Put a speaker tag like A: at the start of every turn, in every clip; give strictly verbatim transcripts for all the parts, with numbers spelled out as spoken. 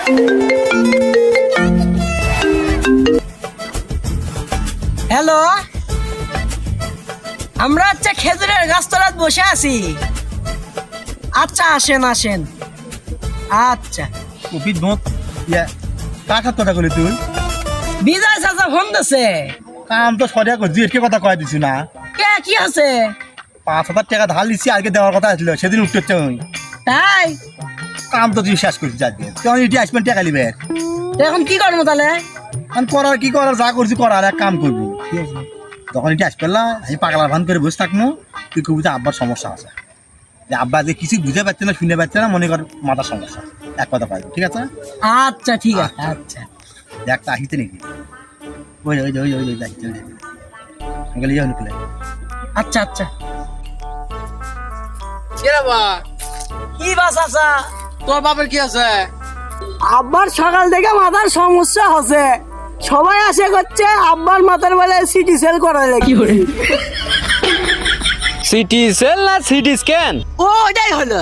A: Hello, আমরা আচ্ছা খেজুরের গাছতলায় বসে আছি। আচ্ছা আসেন আসেন। আচ্ছা
B: কপি দোঁত ইয়া কাকার কথা কলি তুই
A: বিজয় চাচা ফোন দিছে।
B: কাম তো সরিয়া করছি এটকে কথা কয়ে দিছি না।
A: কে কি আছে?
B: পাঁচ হাজার টাকা ধার দিচ্ছি আজকে দেওয়ার কথা আসলো, সেদিন উঠতে হচ্ছে ওই
A: তাই
B: কাম তো তুই শেষ করছিস আজকে, তুই ইটি আসবেন টাকা নিবে।
A: তো এখন কি করবো তাহলে?
B: আমি করার কি করার যা করছি করার এক কাম করবি, ঠিক আছে? যখন এটি আসবে না আমি পাগলা ভান করে বসে থাকবো, তুই কবি যে আব্বার সমস্যা আছে, যে আব্বা যে কিছু বুঝে পাচ্ছে না শুনে পাচ্ছে না, মনে কর মাথার সমস্যা, এক কথা পাই, ঠিক আছে?
A: আচ্ছা ঠিক আছে। আচ্ছা
B: দেখ তা আসিতে নাকি ওই ওই ওই ওই যাইতে গেলে যাও নিকলে।
A: আচ্ছা আচ্ছা।
C: বা
A: কি বা চাচা?
C: তোর বাপের কি আছে?
A: আব্বার সকাল থেকে মাথার সমস্যা হচ্ছে, সবাই আসে করছে আব্বার মাথার বেলা সিটি সেল করা লাগে।
D: সিটি সেল না সিটি স্ক্যান?
A: ও ওটাই হলো।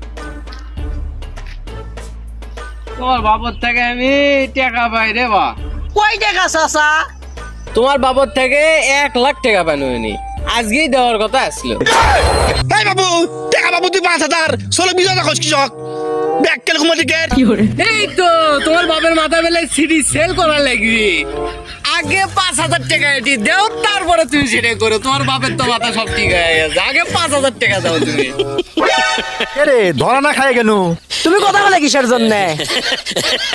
C: তোর বাপের থেকে আমি টাকা পাই রে বা।
A: কই টাকা চাচা?
D: তোমার বাবার থেকে এক লাখ টাকা পাইনি, আজকেই দেওয়ার কথা আসলো।
B: এই বাবু টাকা বাবু তুই পাঁচ হাজার ষোলো বিশ হাজার খোঁজ কৃষক ব্যাগ কেন ঘুমা দিকে।
D: এই তো তোমার বাপের মাথা বেলায় সিটি সেল করা লাগবে, আগে পাঁচ হাজার টাকা এটি দেও, তারপরে তুমি সেটা করো। তোমার বাপের তো মাথা সব ঠিক হয়ে গেছে, আগে পাঁচ হাজার টাকা দাও তুমি।
B: রে ধরা না খায় কেন?
A: তুমি কথা বলে কিসের জন্য?